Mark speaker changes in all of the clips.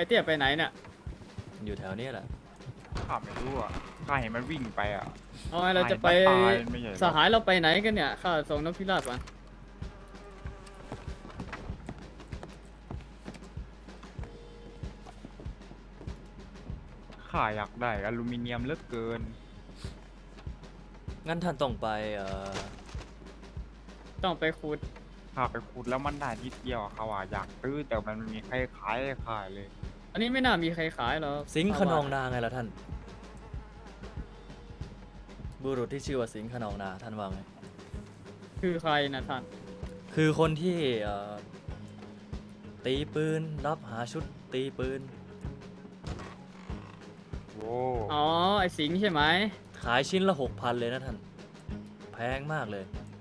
Speaker 1: เตี้ยไปไหนเนี่ย
Speaker 2: อยู่แถวนี้แหละ
Speaker 3: ข้าไม่รู้อ่ะข้าเห็นมันวิ่งไปอ่ะ
Speaker 1: เอาไงเราจะไป
Speaker 3: ตายไม่ใช่เหรอ
Speaker 1: สหายเราไปไหนกันเนี่ยข้าส่งนกพิราบมา
Speaker 3: ข้าอยากได้อลูมิเนียมเหลือเกิน
Speaker 2: งั้นท่านต้องไป
Speaker 1: ต้องไปขุด
Speaker 3: ข้าไปขุดแล้วมันได้นิดเดียวอะเขาว่าอยากซื้อแต่มันไม่มีใครขายให้ข้าเลย
Speaker 1: อันนี้ไม่น่ามีใครขายหรอก
Speaker 2: สิงห์ขนองนาไงล่ะท่านบุรุษที่ชื่อว่าสิงห์ขนองนาท่านว่าไง
Speaker 1: คือใครนะท่าน
Speaker 2: คือคนที่ตีปืนรับหาชุดตีปืน
Speaker 3: โว้
Speaker 1: อ๋อไอสิงห์ใช่ไหม
Speaker 2: ขายชิ้นละ 6,000เลยนะท่านแพงมากเลย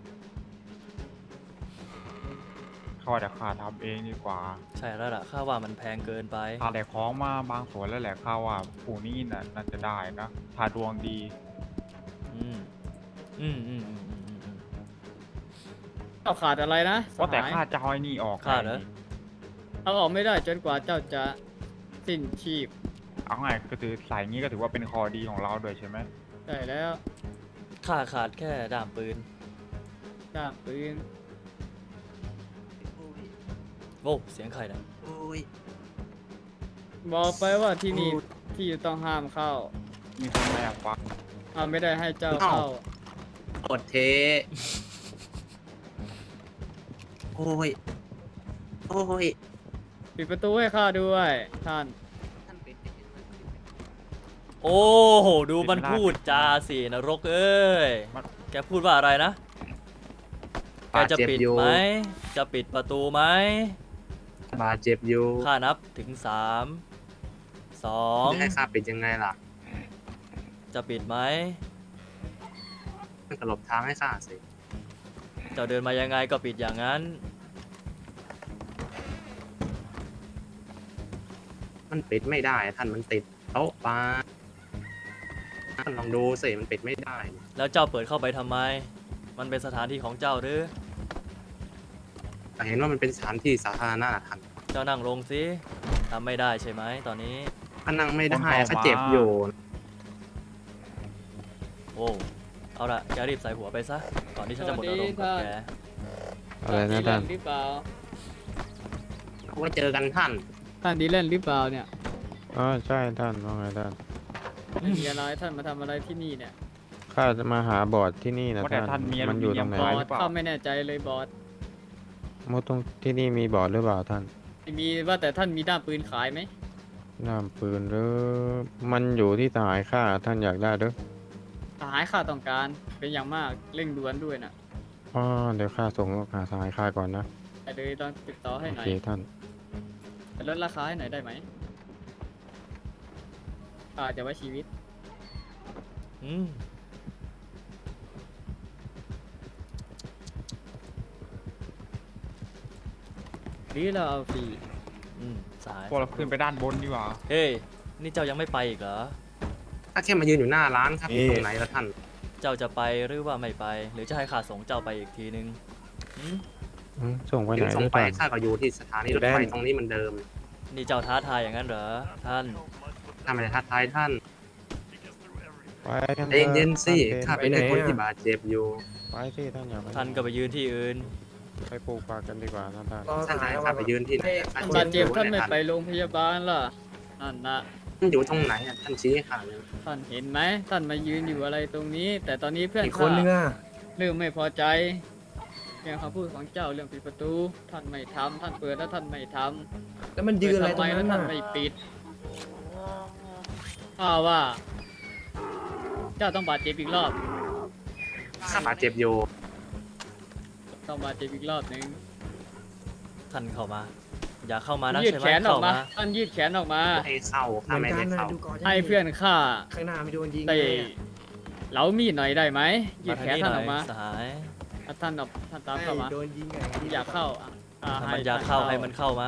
Speaker 3: ข้าว่าแต่ข้าทำเองดีกว่า
Speaker 2: ใช่แล้วล่ะข้าว่ามันแพงเกินไป
Speaker 3: ข้าได้ของมาบางส่วนแล้วแหละข้าว่าผู้นี้น่าจะได้นะถ้าดวงดี
Speaker 2: อืมอืมอืมอืมอืมอืมอืม
Speaker 1: เอาขาดอะไรนะส
Speaker 3: ว่าแต่
Speaker 1: หาย
Speaker 3: ข้าจะเอาไอ้นี่ออก
Speaker 2: ข้าเหรอ
Speaker 3: ไง
Speaker 1: เอาออกไม่ได้จนกว่าเจ้าจะสิ้นชีพ
Speaker 3: เอาไงก็ถือใส่งี้ก็ถือว่าเป็นคอดีของเราด้วยใช่ไหม
Speaker 1: ใช่แล้ว
Speaker 2: ข้าขาดแค่ด้ามปืน
Speaker 1: ด้ามปืน
Speaker 2: โว้เสียงใครนะ
Speaker 1: บอกไปว่าที่นี่ที่ต้องห้ามเข้า
Speaker 3: มีคนแอบฟัก
Speaker 1: ไม่ได้ให้เจ้าเข้า
Speaker 4: อดเท โอ้ย โอ้ย
Speaker 1: ปิดประตูให้ข้าด้วยท่าน
Speaker 2: โอ้โหดูมันพูดจาสินรกเอ้ยแกพูดว่าอะไรนะแกจะปิดไหมจะปิดประตูไหม
Speaker 4: บาดเจ็บอยู่
Speaker 2: ข้านับถึง3 2
Speaker 4: ให้ข้าปิดยังไงล่ะ
Speaker 2: จะปิดไหม
Speaker 4: มันก็หลบทางให้ข้าสิ
Speaker 2: เจ้าเดินมายังไงก็ปิดอย่างนั้น
Speaker 4: มันปิดไม่ได้ท่านมันติดโต๊ะปลาท่านลองดูสิมันปิดไม่ได้
Speaker 2: แล้วเจ้าเปิดเข้าไปทำไม มันเป็นสถานที่ของเจ้าหรือ
Speaker 4: แต่เห็นว่ามันเป็นสถานที่สาธารณะท่าน
Speaker 2: เจ้านั่งลงสิทำไม่ได้ใช่ไหมตอนนี้
Speaker 4: ข้านั่งไม่ได้ข้าเจ็บอยู่
Speaker 2: โอ้เอาละแกรีบใส่หัวไปซะก่อนที่ฉันจะหมดอารมณ์กับแก
Speaker 5: อะไรนะท่าน
Speaker 1: หรือเปล่า
Speaker 4: ไว้เจอกันท่าน
Speaker 1: ท่านดีเล่นหรือเปล่าเนี่ย
Speaker 5: อ๋อใช่ท่านว่าไงท่าน
Speaker 1: ไม่มีอะไรท่านมาทำอะไรที่นี่เนี่ย
Speaker 5: ข้าจะมาหาบอร์ดที่นี่นะ
Speaker 3: ว่าแต่
Speaker 5: ท่าน
Speaker 3: ท่านมีอ
Speaker 5: มั
Speaker 3: ลู
Speaker 5: นอ
Speaker 3: มิ
Speaker 5: ยู่
Speaker 3: เนี
Speaker 5: ต
Speaker 3: ย
Speaker 5: ร
Speaker 3: ม
Speaker 5: งไหน
Speaker 1: บอ
Speaker 3: ขาย
Speaker 1: ส
Speaker 3: หรือเปล่า
Speaker 1: ข้าไม่แน่ใจเลยบอส
Speaker 5: มดตรงที่นี่มีบอร์ดหรือเปล่าท่าน
Speaker 1: ไม่มีว่าแต่ท่านมีด้ามปืนขายไหม
Speaker 5: น้ำปืนหรือมันอยู่ที่สหายข้าท่านอยากได้หรือ
Speaker 1: สหายข้าต้องการเป็นอย่างมากเร่งด่วนด้วยนะ
Speaker 5: อ๋อเดี๋ยวข้าส่งหาสหายข้าก่อนนะ
Speaker 1: แต่เลยลองติดต่อให้
Speaker 5: โอ
Speaker 1: หน่อ
Speaker 5: เค
Speaker 1: ย
Speaker 5: ท่าน
Speaker 1: แต่ลดราคาให้หน่อยได้ไหมจะไว้ชีวิต
Speaker 2: อืม
Speaker 1: หรือเราเอาฟรี
Speaker 2: อืมสาย
Speaker 3: พวกเราขึ้นไปด้านบนดีกว่า
Speaker 2: เฮ้ยนี่เจ้ายังไม่ไปอีกเหรอ
Speaker 4: ถ้าแค่มายืนอยู่หน้าร้านครับอยู่ตรงไหนละท่าน
Speaker 2: เจ้าจะไปหรือว่าไม่ไป หรือจะให้ข้าส่งเจ้าไปอีกทีนึงอืม
Speaker 5: ส่งไปไห
Speaker 4: ถึ
Speaker 5: น
Speaker 4: ง
Speaker 5: ห
Speaker 4: ส่ง
Speaker 5: รือ
Speaker 4: ไป
Speaker 5: เปล่า
Speaker 4: ข้าก็อยู่ที่สถานีรถไฟตรงนี้เหมือนเดิม
Speaker 2: นี่เจ้าท้าทายอย่างนั้นเหรอท่าน
Speaker 4: ถ้าไม่ได้ทักทายท่าน
Speaker 5: ไปกัน
Speaker 4: ใจเย็นๆสิข้าเป็นแค่คนที่บาดเจ็บอยู่
Speaker 5: ไปสิท่านอย่าไป
Speaker 2: ท่านก็ไปยืนที่อื่น
Speaker 5: ไปปลูกป่ากันดีกว่านะท่าน
Speaker 4: ท่านจะให้ข้าไปยืนที่ไหน
Speaker 1: ท่านบาดเจ็บท่านไม่ไปโรงพยาบาลล่ะนั่นนะ
Speaker 4: ท่านอยู่ตรงไหนอะท่านชี้ให้ข้าเลย
Speaker 1: ท่านเห็นไหมท่านมายืนอยู่อะไรตรงนี้ แต่ตอนนี้เพื่อน
Speaker 6: อีกคนนึง
Speaker 1: ข้า
Speaker 6: อ่ะ
Speaker 1: เริ่มไม่พอใจเรื่องคำพูดของเจ้าเรื่องปิดประตู ท่านไม่ทำท่านเปิดแล้วท่านไม่ทำ
Speaker 6: แล้วมันยืนอะไร
Speaker 1: เปิด
Speaker 6: ตรง
Speaker 1: ทำไม
Speaker 6: นั้
Speaker 1: แล้ว
Speaker 6: น
Speaker 1: ท่า
Speaker 6: น่ะ
Speaker 1: นไม่ปิดว่า เจ้าต้องบาดเจ็บอีกรอบ
Speaker 4: ข้าบาดเจ็บอยู่
Speaker 1: ต้องบาดเจ็บอีกรอบหนึ่ง
Speaker 2: ท่านเข้ามา อย่าเข้ามานะ
Speaker 1: ยืด
Speaker 2: ใช่ไหม
Speaker 1: แขนออ
Speaker 2: เข้าก
Speaker 1: มา
Speaker 2: มา
Speaker 1: ท่านยืดแขนออกมา
Speaker 4: ให้เข้า
Speaker 6: เห
Speaker 4: ข้า
Speaker 6: มือน
Speaker 4: ไม่
Speaker 6: กัน
Speaker 4: ได้
Speaker 6: นะ
Speaker 4: เข้า
Speaker 6: ดูก่อน
Speaker 1: ให้เพื่อนข้า
Speaker 6: ข้างหน้าไม่โดนยิง
Speaker 1: เตะ
Speaker 6: เลยอะ
Speaker 1: เหลามีดหน่อยได้ไหมยื
Speaker 2: มา
Speaker 1: ด
Speaker 2: ทา
Speaker 1: แข
Speaker 2: ง
Speaker 1: น
Speaker 2: นี้
Speaker 1: ท่าน
Speaker 2: หน่
Speaker 1: อ
Speaker 2: อ
Speaker 1: อย กมา
Speaker 2: สหาย
Speaker 1: ท่านตามเข้ามา
Speaker 6: โดนยิงไง
Speaker 1: อยากเข้า
Speaker 2: ถ้ามัน
Speaker 1: ให้
Speaker 2: อยากเข้าให้มันเข้ามา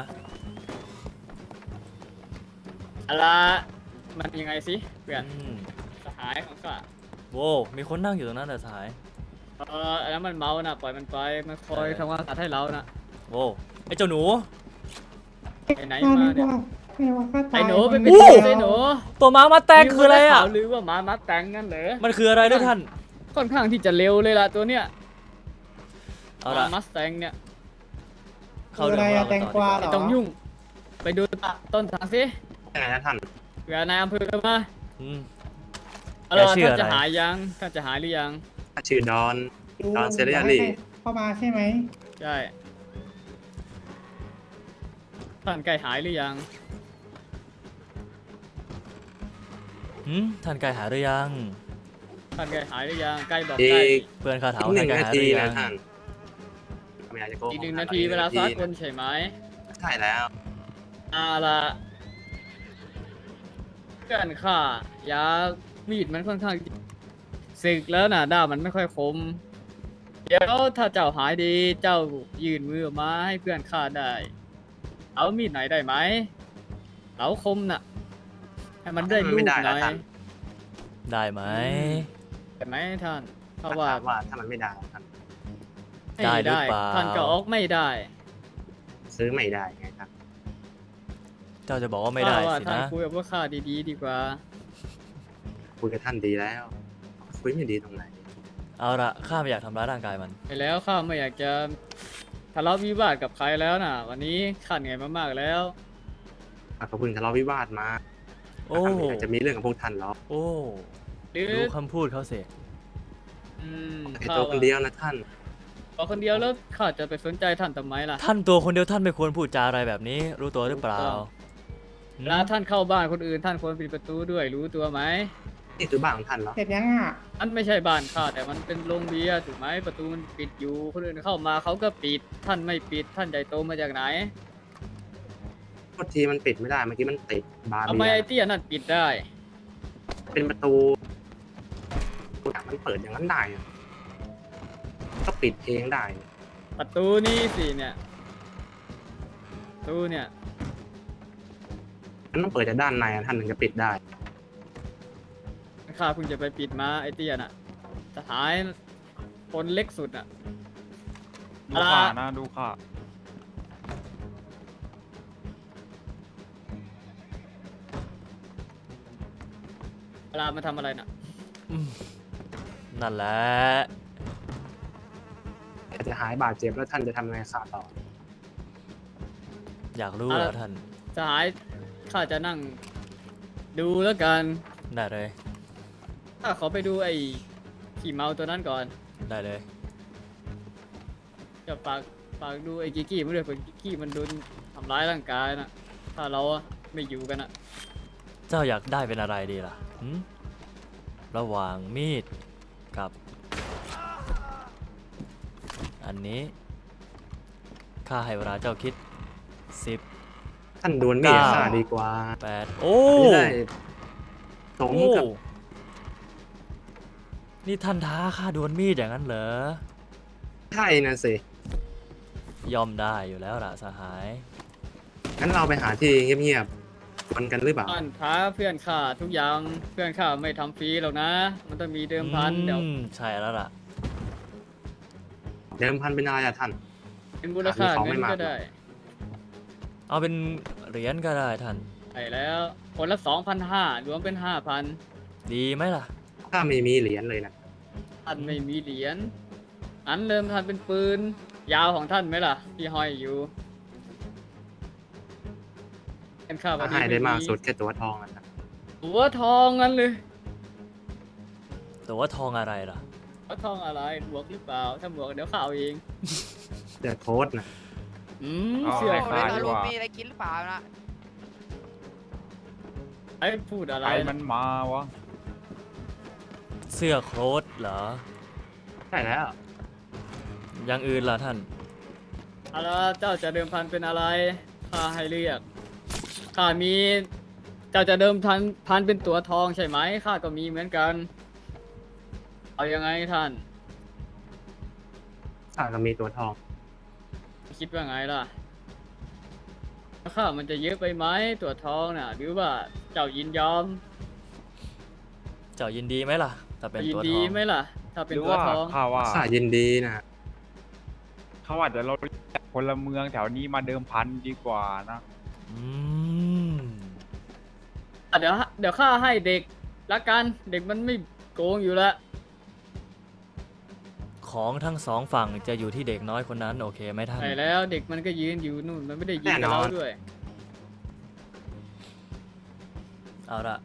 Speaker 1: อะไรมันยังไงสิเพื่อน
Speaker 2: อืม
Speaker 1: สหายของข้า
Speaker 2: โว้มีคนนั่งอยู่ตรงนั้นเหรอสหาย
Speaker 1: อันนั้นมันเมานะปล่อยมันไปมันคอยทำความสะอาดให้เรานะ
Speaker 2: โว้ไอ้เจ้าหนู
Speaker 1: ไปไหนมาเนี่ย
Speaker 6: ไม่ว่าข้าตาย
Speaker 1: ไอ้หนูไปเป็น
Speaker 2: โอ้
Speaker 1: ตัวไอ้หนู
Speaker 2: ตัวม้ามาแตงคืออะไรอ่ะ
Speaker 1: หรือว่าหมามาแตงนั่นเหรอ
Speaker 2: มันคืออะไรด้วยท่าน
Speaker 1: ค่อนข้างที่จะเร็วเลยล่ะตัวเนี้ย
Speaker 2: เอา
Speaker 1: ห
Speaker 2: ละ
Speaker 1: มามัสแตงเนี่ย
Speaker 2: เข้าเรื่องของเรา
Speaker 6: แต
Speaker 2: กัน
Speaker 6: ง
Speaker 2: ต่อก
Speaker 6: วา
Speaker 2: ดีกว่า
Speaker 6: เหรอ
Speaker 1: ไม่ต้องยุ่ง ไปดูต้นทางสิ
Speaker 4: ยังไงนะท่าน
Speaker 1: เผื่อนายอำเภอมา
Speaker 2: อืม
Speaker 1: เอา
Speaker 2: แก
Speaker 1: ล่ะ
Speaker 2: ชื่อ
Speaker 1: ท่าน
Speaker 2: อะไร
Speaker 1: จะหายยังท่านจะหายหรือยัง
Speaker 4: ชื่อดอน
Speaker 6: ลุง
Speaker 4: ตอนเซเรีย
Speaker 6: ให้
Speaker 4: ลี่
Speaker 6: เข้ามาใช่ไหม
Speaker 1: ใช่ท่านใกล้หายหรือยัง
Speaker 2: ท่านไกลหาหรือยัง
Speaker 1: ท่านใกล้หายหรือยังใกล้บอก
Speaker 4: อี
Speaker 1: ใกล้
Speaker 4: ก
Speaker 2: เพื่อนคาถา
Speaker 4: ห
Speaker 2: ท่า
Speaker 4: นึ่
Speaker 2: น
Speaker 4: ง
Speaker 2: ไกล
Speaker 4: นา
Speaker 2: หาห
Speaker 4: ที
Speaker 2: รือยั
Speaker 4: นะ
Speaker 2: ง
Speaker 4: ท่านไม่อยากจะโกหก
Speaker 1: อีก1 นาทีเวลาซักคนใช่ไหม
Speaker 4: ใช่แล้ว
Speaker 1: เอาล่ะเพื่อนข้ายามีดมันค่อนข้างสึกแล้วน่ะด้ามมันไม่ค่อยคม เดี๋ยวถ้าเจ้าหายดีเจ้ายื่นมือออกมาให้เพื่อนข้าได้ เอามีดไหนได้ไหมเอาคมน่ะ ให้มันได้ลูกหน่อย
Speaker 2: ได้ไหม
Speaker 1: แต่ไหมท่านเพ
Speaker 4: ถ้า
Speaker 1: ราะว่า
Speaker 4: ว่าถ้ามันไม่ได้ท่าน
Speaker 2: ได้หรือเปล่า
Speaker 1: ท่านก็ออกไม่ได้
Speaker 4: ซื้อไม่ได้ไงครับ
Speaker 2: เจ้าจะบอกว่าไม่ได้
Speaker 1: ข้าว่า
Speaker 2: สิ
Speaker 1: ท่าน
Speaker 2: นะ
Speaker 1: คุยกับพวกข้าดีๆดีกว่า
Speaker 4: คุยกับท่านดีแล้ว คุยไม่ดีตรงไหน
Speaker 2: เอาละข้าไม่อยากทำร้ายร่างกายมัน
Speaker 1: ไปแล้วข้าไม่อยากจะทะเลาะวิวาทกับใครแล้วน่ะ วันนี้ข้าเหนื่อยมากๆแล้ว
Speaker 4: เขาเพิ่งทะเลาะวิวาทมา
Speaker 2: โอ้
Speaker 4: ท่านไม่อยากจะมีเรื่องกับพวกท่านหรอก
Speaker 2: โอ้
Speaker 1: หรือ
Speaker 2: ดูคำพูดเขาสิ
Speaker 1: อืม
Speaker 4: แค่ตัวคนเดียวนะท่าน
Speaker 1: ตัวคนเดียวแล้วข้าจะไปสนใจท่านทำไมล่ะ
Speaker 2: ท่านตัวคนเดียวท่านไม่ควรพูดจาอะไรแบบนี้ รู้ตัวหรือเปล่า
Speaker 1: เวลาท่านเข้าบ้านคนอื่นท่านควรปิดประตูด้วยรู้ตัวไหม
Speaker 4: นี่คือบ้านของท่านเหรอ
Speaker 6: เสร็จยังอ่ะ
Speaker 1: อันไม่ใช่บ้านข้าแต่มันเป็นโรงเบียร์ถูกไหมประตูมันปิดอยู่คนอื่นเข้ามาเขาก็ปิดท่านไม่ปิดท่านใหญ่โตมาจากไหน
Speaker 4: โทษทีมันปิดไม่ได้เมื่อกี้มันติดบาร์
Speaker 1: ทำ
Speaker 4: เบี
Speaker 1: ไม
Speaker 4: ย
Speaker 1: ไอ้
Speaker 4: ร์
Speaker 1: เตี้ยนั่นปิดได้
Speaker 4: เป็นประตูมันเปิดอย่างนั้นได้อะก็ปิดเองได้
Speaker 1: ประตูนี่สิเนี่ยประตูเนี่ย
Speaker 4: มันต้องเปิดจากด้านในอะท่านถึงจะปิดได้
Speaker 1: ข้าเพิ่งจะไปปิดมาไอ้เตี้ยน่ะสหายคนเล็กสุดน่ะ
Speaker 3: ดูข่านะดูข่า
Speaker 1: เวลามาทำอะไรน่ะ
Speaker 2: นั่นแหละ
Speaker 4: จะหายบาดเจ็บแล้วท่านจะทำไงขาต่อ
Speaker 2: อยากรู้เหรอ
Speaker 1: อ่ะ
Speaker 2: ท่าน
Speaker 1: สหายข้าจะนั่งดูแล้วกัน
Speaker 2: ได้เลย
Speaker 1: ข้าขอไปดูไอ้ขี่เมาตัวนั้นก่อน
Speaker 2: ได้เลย
Speaker 1: จะฝากดูไอ้กิกกี้มันด้วยเผื่อกิกกี้มันโดนทำร้ายร่างกายน่ะถ้าเราอะไม่อยู่กันอะ
Speaker 2: เจ้าอยากได้เป็นอะไรดีล่ะระหว่างมีดกับ อันนี้ข้าให้เวลาเจ้าคิด 10
Speaker 4: ท่านดวลมีด
Speaker 2: 9
Speaker 4: ฆ่าดีกว่า
Speaker 2: 8 โอ้
Speaker 4: จะได้สม
Speaker 2: โอ้
Speaker 4: กับ
Speaker 2: นี่ท่านท้าข้าดวลมีดอย่างนั้นเหรอ
Speaker 4: ใช่นะสิ
Speaker 2: ยอมได้อยู่แล้วล่ะสหาย
Speaker 4: งั้นเราไปหาที่เงียบๆวันกันหรือเปล่า
Speaker 1: ท่านท้าเพื่อนข้าทุกอย่างเพื่อนข้าไม่ทำฟรีหรอกนะ มันต้องมีเดิมพันเดี๋ยว
Speaker 2: ใช่แล้วล่ะ
Speaker 4: เดิมพันเป็นอะไรอะท่าน
Speaker 1: เป็นมูลค่า
Speaker 4: ของ
Speaker 1: เงิ
Speaker 4: ไม่
Speaker 1: น
Speaker 4: มาก
Speaker 1: ก็ได้
Speaker 2: เอาเป็นเหรียญก็ได้ท่าน
Speaker 1: ไปแล้วคนละ 2,500รวมเป็น 5,000
Speaker 2: ดีไหมล่ะ
Speaker 4: ถ้าไม่มีเหรียญเลยนะ
Speaker 1: ท่านไม่มีเหรียญอันเดิมท่านเป็นปืน ยาวของท่านไหมล่ะ ที่ห้อยอยู่เป็นข้าพอ
Speaker 4: ถ้าให้ได้มาก
Speaker 1: มี
Speaker 4: สุดแค่ตัวทองอะนะ
Speaker 1: ตัวทองงั้นเลย
Speaker 2: แต่ว่าทองอะไรล่ะ
Speaker 1: ตัวทองอะไรบวกหรือเปล่า ถ้าบวกเดี๋ยวข้าเอาเอง
Speaker 4: เดือดโค้ดนะ
Speaker 1: เสื้อ
Speaker 3: ให้
Speaker 1: ขา
Speaker 3: ข้า
Speaker 1: ด
Speaker 3: ดีกว่า
Speaker 7: มีอะไรกินหรือเปล่านะ
Speaker 1: ไอ้พูดอะไร
Speaker 3: ใครมั
Speaker 1: นะ
Speaker 3: นมาวะ
Speaker 2: เสื้อโค้ทเหรอ
Speaker 4: ใช่แล้ว
Speaker 2: อย่างอื่นล่ะท่าน
Speaker 1: เอาละเจ้าจะเดิมพันเป็นอะไรข้าให้เลือกข้ามี เจ้าจะเดิมพันเป็นตัวทองใช่ไหมข้าก็มีเหมือนกัน เอายังไงท่าน
Speaker 4: ข้าก็มีตัวทอง
Speaker 1: คิดว่าไงล่ะข้ามันจะเยอะไปไหมตัวทองน่ะ หรือว่าเจ้ายินยอม
Speaker 2: เจ้ายินดีไหมล่ะถ้าเป็น
Speaker 1: ยิน
Speaker 2: ตัวท
Speaker 1: ดี
Speaker 2: อง
Speaker 1: ไหมล่ะ ถ้าเป็น
Speaker 3: หรือ
Speaker 1: ตัว
Speaker 3: ว่า
Speaker 1: ทอง
Speaker 3: ข้าว่า
Speaker 4: ข้ายินดีนะ
Speaker 3: เขาอาจจะเราพลเมืองแถวนี้มาเดิมพันดีกว่านะ
Speaker 2: อืม
Speaker 1: เดี๋ยวข้าให้เด็กละกันเด็กมันไม่โกงอยู่แล้ว
Speaker 2: ของทั้งสองฝั่งจะอยู่ที่เด็กน้อยคนนั้นโอเคไหมท่าน
Speaker 1: ใช่แล้วเด็กมันก็ยืนอยู่นู่นมันไม่ได้ยินกับเราด้วย
Speaker 2: เอาละ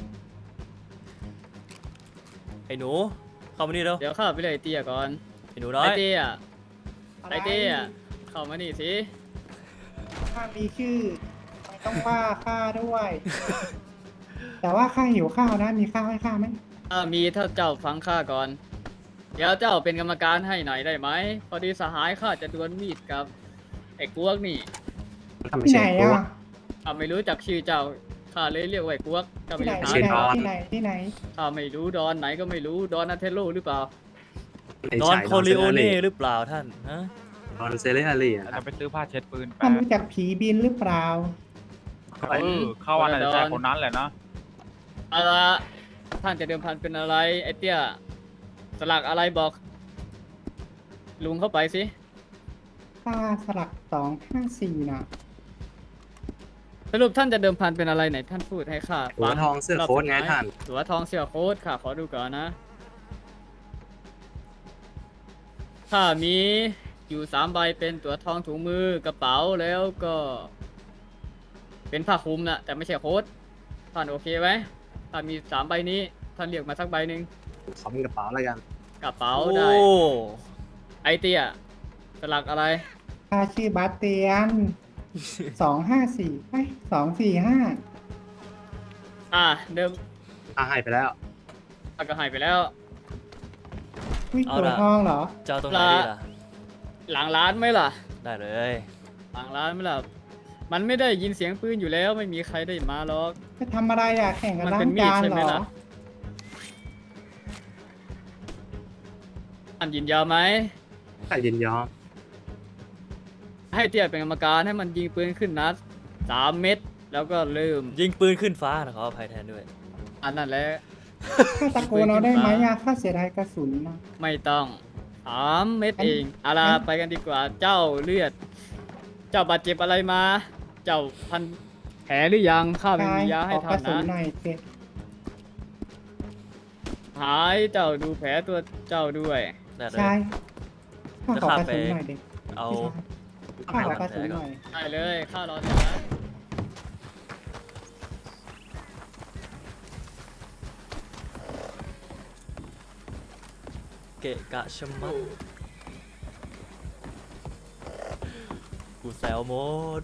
Speaker 2: ไอ้หนูเข้ามานี่เร็ว
Speaker 1: เดี๋ยวข้าไปเลยไอ้เตี้ยก่อน
Speaker 2: ไอ้หนูน้อ
Speaker 1: ไอ้
Speaker 2: ย
Speaker 1: เตี้ยไอ้เตี้ยเข้ามานี่สิ
Speaker 6: ข้ามีชื่อไม่ต้องว่าข้าด้วย แต่ว่าข้าหิวข้าวนะ มีข้าวให้ข้าไหม
Speaker 1: ถ้ามีถ้าเจ้าฟังข้าก่อน เดี๋ยวเจ้าเป็นกรรมการให้หน่อยได้ไหมพอดีสหายข้าจะดวลมีดกับไอ้กวกนี่
Speaker 4: ทำไม่
Speaker 6: ที่ไหน
Speaker 4: ใช่ตัว
Speaker 6: อ่ะ
Speaker 1: ข้าไม่รู้จักชื่อเจ้าข้าเลยเรียกว่าไอ้กวกเจ้า
Speaker 6: ที่
Speaker 1: ไม่
Speaker 6: ไหน
Speaker 1: รู้
Speaker 6: ที่
Speaker 1: ถาม
Speaker 6: ไหนที่ไหน
Speaker 1: ข้าไม่รู้ดอนไหนก็ไม่รู้ดอนนาเทโลหรือเปล่า
Speaker 4: ไม่
Speaker 2: ดอน
Speaker 4: ใช่
Speaker 2: โคลิโอเน่หรือเปล่าท่านฮะ
Speaker 4: ดอนเซเลอารีอะ
Speaker 3: เรา
Speaker 4: ครั
Speaker 3: จะ
Speaker 4: บ
Speaker 3: ไปซื้อผ้าเช็ดปืนแป๊
Speaker 6: ท่าน
Speaker 3: บ
Speaker 6: รู้จักผีบินหรือเปล่า
Speaker 3: เข้าวันไหนจะใช่คนนั้นแหละนะ
Speaker 1: เอาละท่านจะเดิมพันเป็นอะไรไอ้เตี้ยสลักอะไรบอกลุงเข้าไปสิ
Speaker 6: ข้าสลัก254น่ะ
Speaker 1: สรุปท่านจะเดิมพันเป็นอะไรไหนท่านพูดให้ข้า
Speaker 4: หัวทองเสื้อโค้ทไงท่าน
Speaker 1: หัวทองเสื้อโค้ทค่ะขอดูก่อนนะถ้ามีอยู่3 ใบเป็นตัวทองถุงมือกระเป๋าแล้วก็ เป็นผ้าคลุมนะแต่ไม่ใช่โค้ทท่านโอเคไหมถ้ามี3 ใบนี้ท่านเรียกมาสักใบหนึ่ง
Speaker 4: ขอเป็นกระเป๋าแล้วกัน
Speaker 1: กระเป๋า
Speaker 2: โอ้
Speaker 1: ได้ไอเตี้ยสลักอะไร
Speaker 6: ข้าชื่อบาสเตียน254245
Speaker 1: เดิม
Speaker 4: ให้ไปแล้ว
Speaker 1: ก็หายไปแล้ว
Speaker 6: วิ่งตัวทองเหรอ
Speaker 2: เจ้าตรงไหนดีล่ะ
Speaker 1: หลังร้านไหมล่ะ
Speaker 2: ได้เลย
Speaker 1: หลังร้านไหมล่ะมันไม่ได้ยินเสียงปืนอยู่แล้วไม่มีใครได้มาหรอก
Speaker 6: จะทำอะไรอ่ะ แข่งกัน
Speaker 1: มัน
Speaker 6: ล้า
Speaker 1: เป็
Speaker 6: ง
Speaker 1: นมีด
Speaker 6: จาน
Speaker 1: ใช่
Speaker 6: เห
Speaker 1: ไหม
Speaker 6: รอ
Speaker 1: ล่ะ อันยินยอมไหม
Speaker 4: ถ้ายินยอม
Speaker 1: ให้เตี้ยเป็นกรรมการให้มันยิงปืนขึ้นนัด3 เม็ดแล้วก็เริ่ม
Speaker 2: ยิงปืนขึ้นฟ้านะขออภัยแทนด้วย
Speaker 1: อันนั้นแหละ
Speaker 6: ข้าตะโกนเอาได้ไหมอ่ะข้าเสียดายกระสุนนะ
Speaker 1: ไม่ต้อง3 เม็ดเองเอาล่ะไปกันดีกว่าเจ้าเลือด เจ้าบาดเจ็บอะไรมา เจ้าพันแผลหรือยังข้าไม่มียาให้
Speaker 6: ขอก
Speaker 1: ท่า
Speaker 6: ระ
Speaker 1: น
Speaker 6: สุน
Speaker 1: นะ
Speaker 6: หน่อยเจ็บ
Speaker 1: หายเจ้าดูแผลตัวเจ้าด้วย
Speaker 2: ได้เลย
Speaker 6: ใช่ข้าขอกระสุน
Speaker 2: จะ
Speaker 6: หน่อยเด็ก
Speaker 2: เอา
Speaker 6: ข้าขอกระสุนหน่อย
Speaker 1: ได้เลยข้ารอเดี๋ยวนะ
Speaker 2: เกะกะชะมัดกูแซวหมด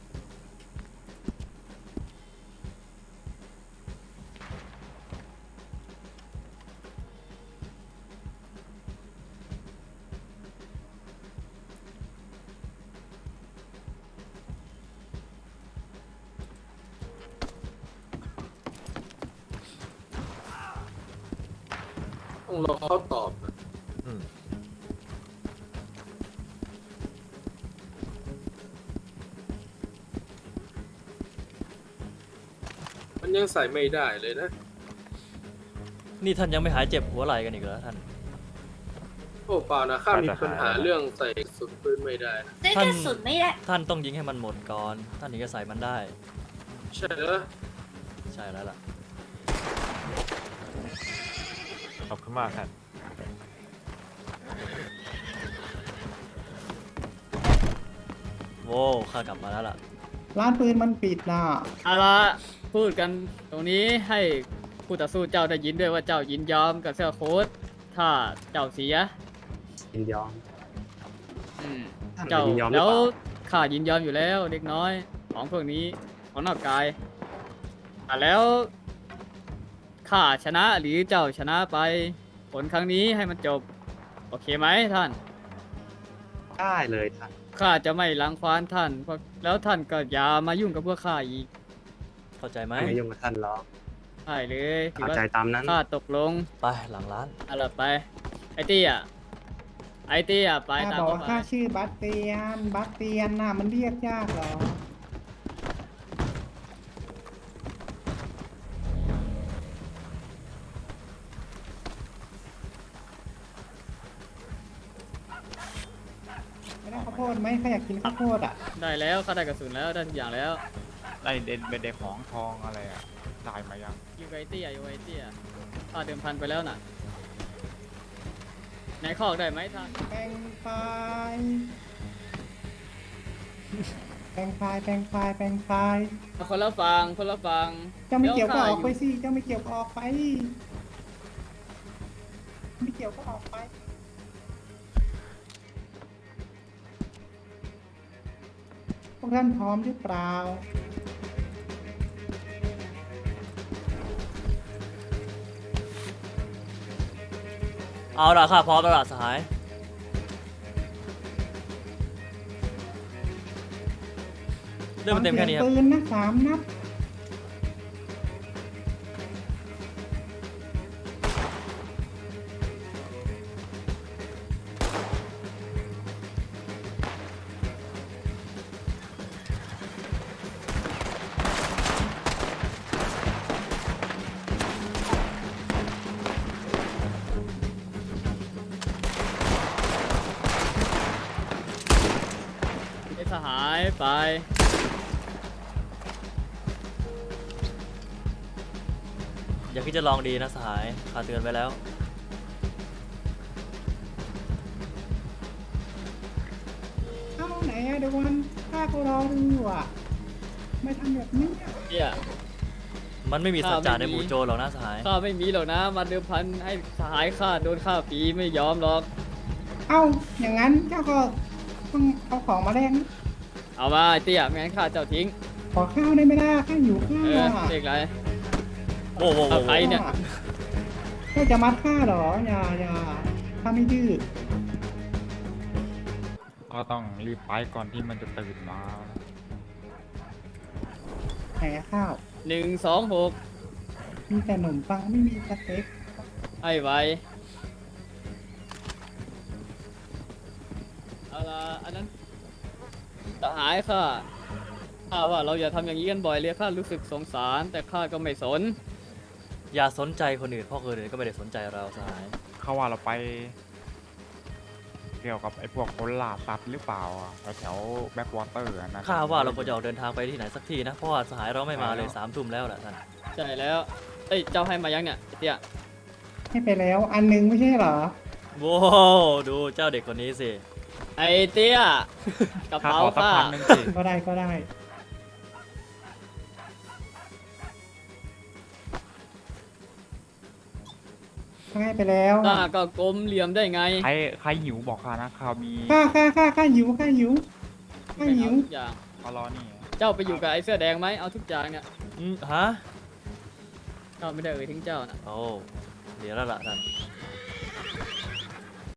Speaker 7: ต้องรอเขาตอบนะมันยังใส่ไม่ได้เลยนะ
Speaker 2: นี่ท่านยังไม่หายเจ็บหัวไหล่กันอีกเหรอท่าน
Speaker 7: โอ้เปล่านะข้ามีปัญหาเรื่องใส่สุดปืนไม่ได้นะ
Speaker 8: ได้
Speaker 2: ท่าน
Speaker 8: กระสุนไม่ได้
Speaker 2: ท่านต้องยิงให้มันหมดก่อน ท่านถึงจะใส่มันได้
Speaker 7: ใช่เหรอ
Speaker 2: ใช่แล้วล่ะ
Speaker 3: ขอบคุณมากครับ
Speaker 2: โว้วข้ากลับมาแล้วล่ะ
Speaker 6: ร้านปืนมันปิดน่ะ
Speaker 1: เอาละพูดกันตรงนี้ให้ผู้ต่อสู้เจ้าได้ยินด้วยว่าเจ้ายินยอมกับเสื้อโค้ทถ้าเจ้าเสีย
Speaker 4: ยินยอม
Speaker 1: อืม
Speaker 4: ท่าน
Speaker 1: เจ้า
Speaker 4: ยินยอมหรือ
Speaker 1: แล้ว
Speaker 4: เปล่า
Speaker 1: ข้ายินยอมอยู่แล้วเด็กน้อยของพวกนี้ของนอกกายแล้วข้าชนะหรือเจ้าชนะไป ผลครั้งนี้ให้มันจบ โอเคไหมท่าน
Speaker 4: ได้เลยท่าน
Speaker 1: ข้าจะไม่รังควานท่านเพราะแล้วท่านก็อย่ามายุ่งกับพวกข้าอีก
Speaker 2: เข้าใจไหม
Speaker 4: ไม่ยุ่งกับท่านหรอก
Speaker 1: ใช่เลยถือ
Speaker 4: เอา
Speaker 1: ว่า
Speaker 4: ใจตามนั้น
Speaker 1: ข้าตกลง
Speaker 2: ไปหลังร้าน
Speaker 1: เอาล่ะไปไอเตี้ยไอเตี้ยไป
Speaker 6: ข้า
Speaker 1: ตาม
Speaker 6: บอก
Speaker 1: เข้า
Speaker 6: ว่า
Speaker 1: ไป
Speaker 6: ข้าชื่อบาสเตียนบาสเตียนน่ะมันเรียกยากเหรอ ไม่ได้ข้าวโพดไหมข้าอยากกินข้าวโพดอ่ะ
Speaker 1: ได้แล้วข้าได้กระสุนแล้วได้ทุกอย่างแล้ว
Speaker 3: ได้เด่นเป็นเด็กของทองอะไรอ่ะได้มายัง
Speaker 1: อยู่กับไอเตี้ยอยู่กับไอเตี้ยข้าเดิมพันไปแล้วน่ะไหนคอกได้ไหมท่าน
Speaker 6: แปลงไฟล์แปลงไฟล์แปลงไฟล์แปลงไฟล์
Speaker 1: คนละฟังคนละฟัง
Speaker 6: เจ้าไม่เกี่ยวก็ออกไป
Speaker 1: ดี๋
Speaker 6: สิเจ้าไม่เกี่ยวก็ออกไป ไม่เกี่ยวก็ออกไป พวกท่านพร้อมหรือเปล่า
Speaker 2: เอาล่ะข้าพร้อมแล้วล่ะสหายเรื่องมันเต็มแค่นี้ครับ
Speaker 6: ฟังสียงปืนนะ3 นัด
Speaker 1: ไอสหายไป
Speaker 2: อย่าคิดจะลองดีนะสหายข้าเตือนไว้แล้ว
Speaker 6: เอ้าไหนอะเดี๋ยววันข้าก็รอดูอยู่อะไม่ทำแบบนี้อะ
Speaker 1: เตี้ย
Speaker 2: มันไม่มีสัจจะในหมู่โจรหรอกนะสหาย
Speaker 1: ข้าไม่มีหรอกนะมาเดิมพันให้สหายข้าโดนฆ่าฟรีไม่ยอมหรอก
Speaker 6: เอ้าอย่างนั้นเจ้าก็ต้องเอาของมาแลกนะ
Speaker 1: เอามาไอเตี้ยไม่งั้นข้าเจ้าทิ้ง
Speaker 6: ขอข้าวได้ไหมล่ะข้าอยู่ข้า
Speaker 1: เออ
Speaker 6: วอะ
Speaker 1: เด็กไร
Speaker 2: โอ้โห
Speaker 1: เอาใครเนี่ย
Speaker 6: เจ้าจะมัดข้าเหรออย่าข้าไม่ดื้อ
Speaker 3: ก็ต้องรีบไปก่อนที่มันจะตื่นมา
Speaker 6: ไหนข้าว
Speaker 1: 126
Speaker 6: มีแต่ขนมปังไม่มีสเต็ก
Speaker 1: ให้ไวเอาละอันนั้นสหายข้าว่าเราอย่าทำอย่างนี้กันบ่อยเลยข้ารู้สึกสงสาร แต่ข้าก็ไม่สน
Speaker 2: อย่าสนใจคนอื่นเพราะคนอื่นก็ไม่ได้สนใจเราสหาย
Speaker 3: เขาว่าเราไป เกี่ยวกับไอ้พวกคนล่าสัตว์หรือเปล่าอะแถวแบ็กวอเตอร์นะ
Speaker 2: ข้าว่าเราควรจะออกเดินทางไปที่ไหนสักที่นะเพราะว่าสหายเราไม่มาเลย3 ทุ่มแล้วแหละท่าน
Speaker 1: ใช่แล้ว เอ้ย เจ้าให้มายังเนี่ยไอ้เตี้ย
Speaker 6: ให้ไปแล้วอันนึงไม่ใช่เหรอ
Speaker 2: โว้วดูเจ้าเด็กคนนี้สิ
Speaker 1: ไอ้เตี้ย กระ
Speaker 3: ข้า
Speaker 1: เป๋า
Speaker 3: ขอสัก
Speaker 1: ข้า
Speaker 3: พันหนึ่งสิ
Speaker 6: ก็ได้ก็ได้ให้ไปแล้ว
Speaker 1: หน้าก็กลมเหลี่ยมได้ไง
Speaker 3: ใครหิวบอกข้านะข้ามี
Speaker 6: ข้าหิวข้าหิว
Speaker 1: ไม่เอาทุกอย่าง
Speaker 3: ข้ารอนี่
Speaker 1: เจ้าไปอยู่กับไอ้เสื้อแดงไหมเอาทุกอย่างเนี่ย
Speaker 2: ฮะ
Speaker 1: เจ้าไม่ได้เอ่ยถึงเจ้านะ
Speaker 2: โอ้เดี๋ยวแล้วล่ะท่าน